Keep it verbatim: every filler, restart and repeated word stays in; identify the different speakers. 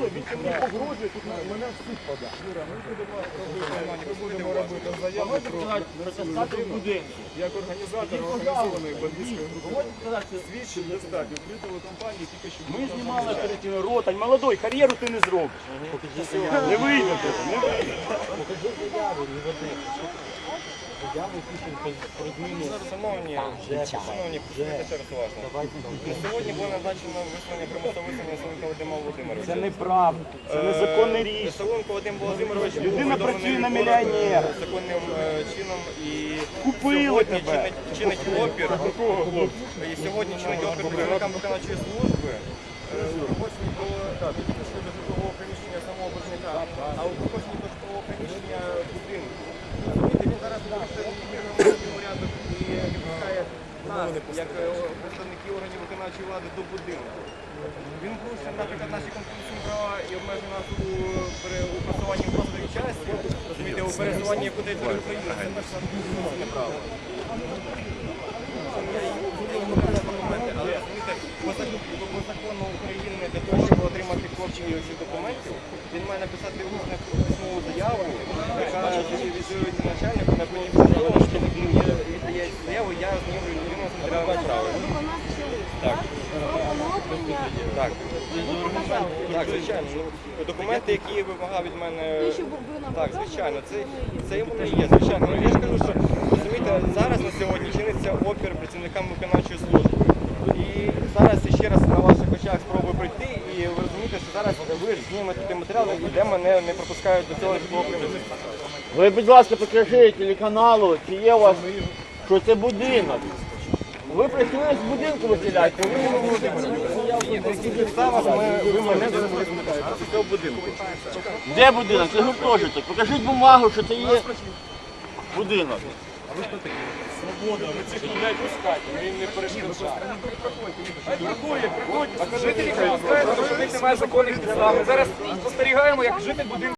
Speaker 1: він мені погрожує, тут мене в суд подав. Юра, ми будемо робити заяву про статус будинку. Як організатор організованої бандитської групи. Свідчень достатньо. При телекомпанії тільки що...
Speaker 2: Ми знімали оперативну ротань. Молодой, кар'єру ти не зробиш. Не вийде тебе, не вийде.
Speaker 3: Покажи заяву, не води. Заяву пишемо про зміну.
Speaker 4: Шановні, шановні, послухайте ще раз уважно. На сьогодні було назначено висловлення примусового виселення Савенка Вадима Володимировича.
Speaker 2: Це неправда, це незаконне рішення.
Speaker 4: Савенко Вадим Володимирович був
Speaker 2: Людина
Speaker 4: повідомлений
Speaker 2: працює на
Speaker 4: в
Speaker 2: мільйонера.
Speaker 4: законним е, чином і
Speaker 2: Купили
Speaker 4: сьогодні
Speaker 2: тебе.
Speaker 4: чинить, чинить опір. І сьогодні чинить опір працівникам виконавчої служби. е, У проходженні до щодо житлового приміщення самого боржника, а у проходженні до житлового приміщення будинку. Розумієте, він зараз порушує нормативний порядок і відпускає нас, як е, представників органів виконавчої влади, до будинку. Він порушує, наприклад, наші конституційні права і обмежує нас у, пере- у просуванні власної часі, розумієте, у пересуванні по території України. Це наше конституційне право. Я їм говорю документи, але розумієте, по закону, по закону України для того, щоб отримати копії цих документів, він має написати усну письмову заяву, яка відповідає начальнику, на мені встановлено, що він віддає заяву, я знімлю людину з матеріалами справи. Так. Так. Так, звичайно. Ну, документи, які вимагав від мене. Так, звичайно, це, це воно і є, звичайно. Ну, я ж кажу, що розумієте, зараз на сьогодні чиниться опір працівникам виконавчої служби. І зараз ще раз на ваших очах спробую пройти, і ви розумієте, що зараз ви ж знімете той матеріал, де мене не пропускають до цього житлового приміщення.
Speaker 2: Ви, будь ласка, покажіть телеканалу, чи є у вас, що це будинок. Ви працюєте з будинку виселяєте, ви не можете.
Speaker 4: Підстава, ми, ви мене зараз визначаєте з цього будинку.
Speaker 2: Де будинок? Це гуртожиток. Покажіть бумагу, що це є будинок.
Speaker 1: Свобода, ви цих людей пускайте, ми їм не перешкоджаємо. Хай приходять, приходять. А жителі кажуть, що в них немає законних підстав. Ми зараз спостерігаємо, як житель будинку